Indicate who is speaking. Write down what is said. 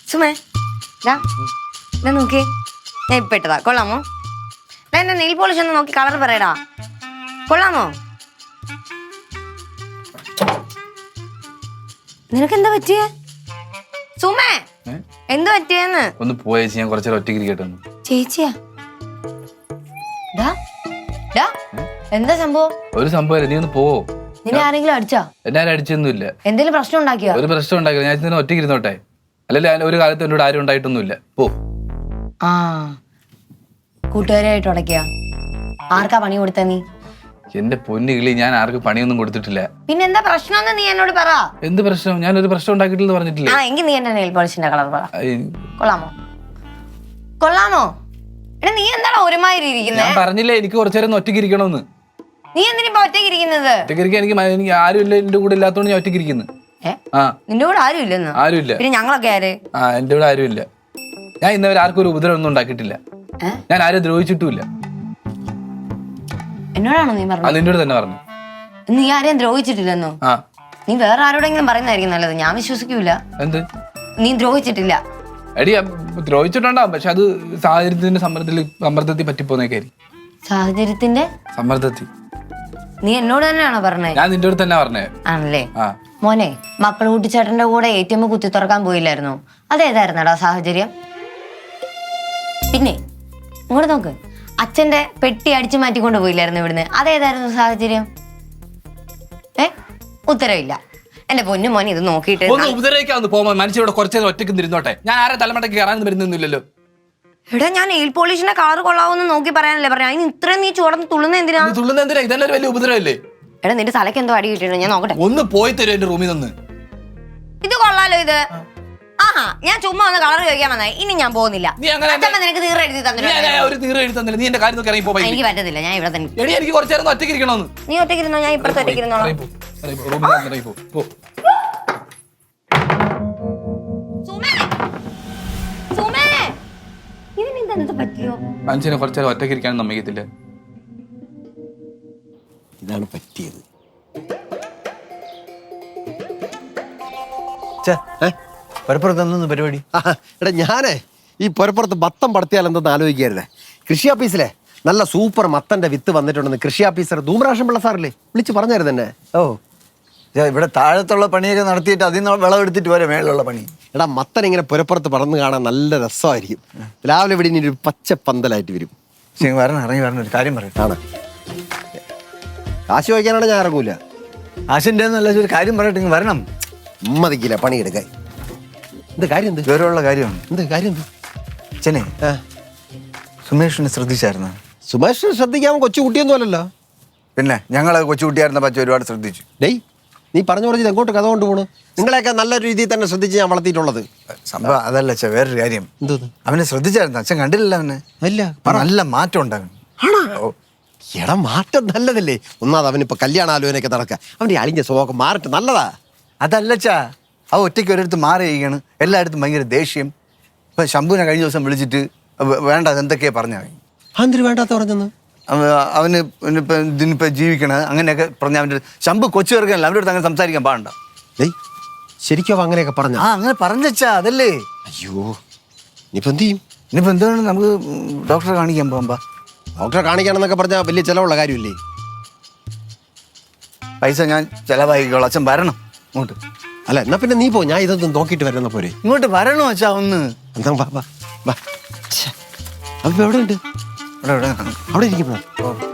Speaker 1: സുമേ നോക്കി ഞാൻ ഇപ്പൊ ഇട്ടതാ. കൊള്ളാമോ? എന്റെ നെയിൽ പോളിഷ് ഒന്ന് നോക്കി കളർ പറയടാ. കൊള്ളാമോ? നിനക്ക് എന്താ പറ്റിയേ സുമേ? എന്താ പറ്റിയെന്ന്
Speaker 2: ഒന്ന് പോയ ഞാൻ കുറച്ചു ഒറ്റയ്ക്ക് ഇരിക്കട്ടെ.
Speaker 1: ചേച്ചിയാ? എന്താ സംഭവം?
Speaker 2: ഒരു സംഭവം നീ ഒന്ന് പോവോ?
Speaker 1: നിന്നെ ആരെങ്കിലും അടിച്ചാ?
Speaker 2: എന്നെ ആരും അടിച്ചൊന്നുമില്ല.
Speaker 1: എന്തെങ്കിലും പ്രശ്നം ഉണ്ടാക്കിയോ?
Speaker 2: ഒരു പ്രശ്നം ഉണ്ടാക്കില്ല. ഞാൻ ഇതിനെ ഒറ്റയ്ക്ക് ഇരുന്നോട്ടെ. അല്ലല്ലേ ഒരു കാലത്ത് എന്നോട് ആരും ഉണ്ടായിട്ടൊന്നുമില്ല. പോ.
Speaker 1: ആ കൂട്ടുകാരായിട്ട് ഉടക്കിയ ആർക്കാ പണി കൊടുത്ത നീ?
Speaker 2: എന്റെ പൊന്നു കിളി, ഞാൻ ആർക്കും പണിയൊന്നും കൊടുത്തിട്ടില്ല.
Speaker 1: പിന്നെ എന്താ പ്രശ്നം നീ എന്നോട് പറ.
Speaker 2: എന്ത് പ്രശ്നം? ഞാൻ ഒരു പ്രശ്നം ഉണ്ടാക്കിയിട്ടില്ലെന്ന് പറഞ്ഞിട്ടില്ല.
Speaker 1: എങ്കിൽ നീ എന്റെ നെയിൽ പോളിഷിന്റെ കളർ പറ. കൊള്ളാമോ? കൊള്ളാമോ? എടാ നീ എന്താണ് ഒരുമാതിരി ഇരിക്കുന്നത്?
Speaker 2: ഞാൻ പറഞ്ഞില്ലേ എനിക്ക് കുറച്ചു നേരം ഒറ്റയ്ക്ക് ഇരിക്കണമെന്ന്.
Speaker 1: നീ എന്തിനാ ഒറ്റയ്ക്ക് ഇരിക്കുന്നത്?
Speaker 2: ഒറ്റയ്ക്ക് ഇരിക്കാൻ എനിക്ക് ആരും ഇല്ല. എന്റെ കൂടെ ഇല്ലാത്തോണ്ട് ഞാൻ ഒറ്റയ്ക്ക് ഇരിക്കുന്നു.
Speaker 1: നിന്റെ കൂടെ ആരും ഇല്ലെന്ന്?
Speaker 2: ആരുമില്ല.
Speaker 1: പിന്നെ ഞങ്ങളൊക്കെ ആര്?
Speaker 2: എന്റെ കൂടെ ആരും ഇല്ല. ഞാൻ ഇന്നവരെ ആർക്കും ഒരു ഉപദ്രവം ഒന്നും ഉണ്ടാക്കിയിട്ടില്ല. ഞാൻ ആരും ദ്രോഹിച്ചിട്ടുമില്ല.
Speaker 1: എന്നോടാണോ നീ പറഞ്ഞത്?
Speaker 2: നിന്നോട് തന്നെ പറഞ്ഞു.
Speaker 1: നീ ആരെയും ദ്രോഹിച്ചിട്ടില്ലെന്നോ? നീ വേറെ ആരോടെങ്കിലും പറയുന്നതായിരിക്കും നല്ലത്. ഞാൻ വിശ്വസിക്കൂല.
Speaker 2: എന്ത്?
Speaker 1: നീ ദ്രോഹിച്ചിട്ടില്ല.
Speaker 2: എടി ദ്രോഹിച്ചിട്ടുണ്ടാവും. പക്ഷെ അത് സാഹചര്യത്തിന്റെ സമ്മർദ്ദത്തിൽ പറ്റിപ്പോന്നേക്കായി.
Speaker 1: സാഹചര്യത്തിന്റെ
Speaker 2: സമ്മർദ്ദത്തിൽ?
Speaker 1: നീ എന്നോട് തന്നെയാണോ പറഞ്ഞേ?
Speaker 2: ഞാൻ നിന്റെ അടുത്ത് തന്നെ പറഞ്ഞേ.
Speaker 1: ആണല്ലേ? മോനെ, മക്കൾ കൂട്ടിച്ചേട്ടന്റെ കൂടെ ATM കുത്തി തുറക്കാൻ പോയില്ലായിരുന്നോ? അതേതായിരുന്നടാ സാഹചര്യം? പിന്നെ ഇങ്ങോട്ട് നോക്ക്, അച്ഛന്റെ പെട്ടി അടിച്ചു മാറ്റിക്കൊണ്ട് പോയില്ലായിരുന്നു ഇവിടുന്ന്? അതേതായിരുന്നു സാഹചര്യം? ഉത്തരവില്ല. എന്റെ പൊന്നു മോനെ, ഇത് നോക്കിയിട്ട്
Speaker 2: ഉപദ്രവിക്കാന്ന് പോകുമ്പോ മനുഷ്യരോട് കുറച്ചേരം ഒറ്റയ്ക്ക് ഇരുന്നോട്ടെ. ഞാൻ ആരെ തലമുറയ്ക്ക് കയറാൻ വരുന്നില്ലല്ലോ.
Speaker 1: എടാ, ഞാൻ നെയിൽ പോളിഷിന്റെ കളർ കൊള്ളാവെന്ന് നോക്കി പറയാനല്ലേ പറഞ്ഞു. അതിന് ഇത്രയും നീ ചുവന്ന് തുള്ളുന്ന എന്തിനാ?
Speaker 2: ഇതന്നെ ഒരു വലിയ ഉപദ്രവല്ലേ?
Speaker 1: എടാ, നിന്റെ തലക്ക് എന്തോ അടി കിട്ടിയിട്ടുണ്ടോ? ഞാൻ നോക്കട്ടെ.
Speaker 2: ഒന്ന് പോയി തരും എന്റെ റൂമിൽ നിന്ന്.
Speaker 1: ഇത് കൊള്ളാലോ ഇത്. ആഹാ, ഞാൻ ചുമ്മാ ഒന്ന് കളർ ചോദിക്കാൻ വന്നായി. ഇനി ഞാൻ പോകുന്നില്ല. നിനക്ക് തീർ എഴുതി തന്നില്ല. എനിക്ക് പറ്റത്തില്ല. ഞാൻ ഇവിടെ തന്നെ.
Speaker 2: എനിക്ക് കുറച്ചു നേരം ഒറ്റയ്ക്ക് ഇരിക്കണമെന്ന്.
Speaker 1: നീ ഒറ്റയ്ക്ക് ഇരുന്നോ, ഞാൻ ഇപ്പുറത്ത് ഒറ്റയ്ക്ക് ഇരുന്നോളാം.
Speaker 2: മനുഷ്യനെ കുറച്ചു നേരം ഒറ്റയ്ക്ക് ഇരിക്കാനും സമ്മതിക്കത്തില്ല.
Speaker 3: ഇതാണ് പറ്റിയത്.
Speaker 4: പുരപ്പുറത്ത് പരിപാടി?
Speaker 3: എടാ, ഞാനേ ഈ പുരപ്പുറത്ത് മത്തം പടത്തിയാൽ എന്തെന്ന് ആലോചിക്കായിരുന്നേ. കൃഷി ഓഫീസിലെ നല്ല സൂപ്പർ മത്തന്റെ വിത്ത് വന്നിട്ടുണ്ടെന്ന് കൃഷി ഓഫീസർ ധൂമ്രാഷൻ പിള്ള സാറില്ലേ വിളിച്ച് പറഞ്ഞായിരുന്നു തന്നെ.
Speaker 4: ഓ, ഇവിടെ താഴത്തുള്ള പണിയൊക്കെ നടത്തിയിട്ട് അതിൽ നിന്ന് വിളവെടുത്തിട്ട് വരെ മേളിലുള്ള പണി.
Speaker 3: എടാ, മത്തൻ ഇങ്ങനെ പുരപ്പുറത്ത് പറന്ന് കാണാൻ നല്ല രസമായിരിക്കും. രാവിലെ ഇവിടെ ഇനി ഒരു പച്ച പന്തലായിട്ട് വരും.
Speaker 4: വരണം, ഇറങ്ങി വരണം. ഒരു കാര്യം പറയും.
Speaker 3: ആണ്, കാശ് വയ്ക്കാനാണ് ഞാൻ ഇറങ്ങൂല.
Speaker 4: ആശിൻ്റെ എന്നല്ല, ഒരു കാര്യം പറയട്ടെ, വരണം.
Speaker 3: ഉമ്മതിക്കില്ല പണിയെടുക്കാൻ. എന്ത് കാര്യം? എന്ത്
Speaker 4: ഗൗരവമുള്ള കാര്യമാണ്.
Speaker 3: എന്ത് കാര്യം? എന്ത്
Speaker 4: അച്ഛനെ, സുമേഷിനെ ശ്രദ്ധിച്ചായിരുന്നു?
Speaker 3: സുമേഷിനെ ശ്രദ്ധിക്കാൻ കൊച്ചു കുട്ടിയൊന്നും അല്ലല്ലോ.
Speaker 4: പിന്നെ ഞങ്ങളെ കൊച്ചുകുട്ടിയായിരുന്ന പച്ച ഒരുപാട് ശ്രദ്ധിച്ചു.
Speaker 3: ഡേയ്, നീ പറഞ്ഞു പറഞ്ഞത് എങ്ങോട്ട് കഥ കൊണ്ടുപോണു? നിങ്ങളെയൊക്കെ നല്ല രീതിയിൽ തന്നെ ശ്രദ്ധിച്ച് ഞാൻ വളർത്തിയിട്ടുള്ളത്.
Speaker 4: സംഭവം അതല്ല അച്ഛൻ, വേറൊരു കാര്യം. അവനെ ശ്രദ്ധിച്ചായിരുന്നു. അച്ഛൻ കണ്ടില്ല അവനെ?
Speaker 3: അല്ല,
Speaker 4: നല്ല മാറ്റം ഉണ്ടാകും.
Speaker 3: എടാ, മാറ്റം നല്ലതല്ലേ? ഒന്നാമത് അവനിപ്പോ കല്യാണ ആലോചനയൊക്കെ നടക്കുക. അവന്റെ അളിഞ്ഞ സ്വഭാവം മാറട്ടെ, നല്ലതാ.
Speaker 4: അതല്ലച്ചാ, അവ ഒറ്റയ്ക്ക് ഒരിടത്ത് മാറി കഴിയാണ്. എല്ലായിടത്തും ഭയങ്കര ദേഷ്യം. ഇപ്പൊ ശംഭുവിനെ കഴിഞ്ഞ ദിവസം വിളിച്ചിട്ട് വേണ്ട എന്തൊക്കെയാ പറഞ്ഞ.
Speaker 3: എന്തിനു വേണ്ടാത്ത പറഞ്ഞെന്ന്?
Speaker 4: അവന് ഇതിനിപ്പോ ജീവിക്കണത് അങ്ങനെയൊക്കെ പറഞ്ഞ. അവൻ്റെ ശംഭു കൊച്ചു ചേർക്കാനല്ല, അവൻ്റെ അടുത്ത് അങ്ങനെ സംസാരിക്കാൻ പാടണ്ട.
Speaker 3: ഏയ്, ശരിക്കും അങ്ങനെ പറഞ്ഞ?
Speaker 4: അങ്ങനെ പറഞ്ഞച്ചാ, അതല്ലേ.
Speaker 3: അയ്യോ, ഇനിയിപ്പോ എന്ത് ചെയ്യും?
Speaker 4: ഇനിയിപ്പോ എന്താണ്, നമുക്ക് ഡോക്ടറെ കാണിക്കാൻ പോകുമ്പോ.
Speaker 3: ഡോക്ടറെ കാണിക്കണമെന്നൊക്കെ പറഞ്ഞാൽ വലിയ ചിലവുള്ള കാര്യമില്ലേ?
Speaker 4: പൈസ ഞാൻ ചിലവായിക്കോളാം. അച്ഛൻ വരണം ഇങ്ങോട്ട്.
Speaker 3: അല്ല, എന്നാ പിന്നെ നീ പോ, ഞാൻ ഇതൊന്നും നോക്കിയിട്ട് വരുന്ന പോരെ.
Speaker 4: ഇങ്ങോട്ട് വരണോ അച്ഛാ ഒന്ന്?
Speaker 3: എന്താ വാ വാ വാ. അപ്പൊ എവിടെ ഉണ്ട്?
Speaker 4: അവിടെ
Speaker 3: അവിടെ ഇരിക്കുന്നു.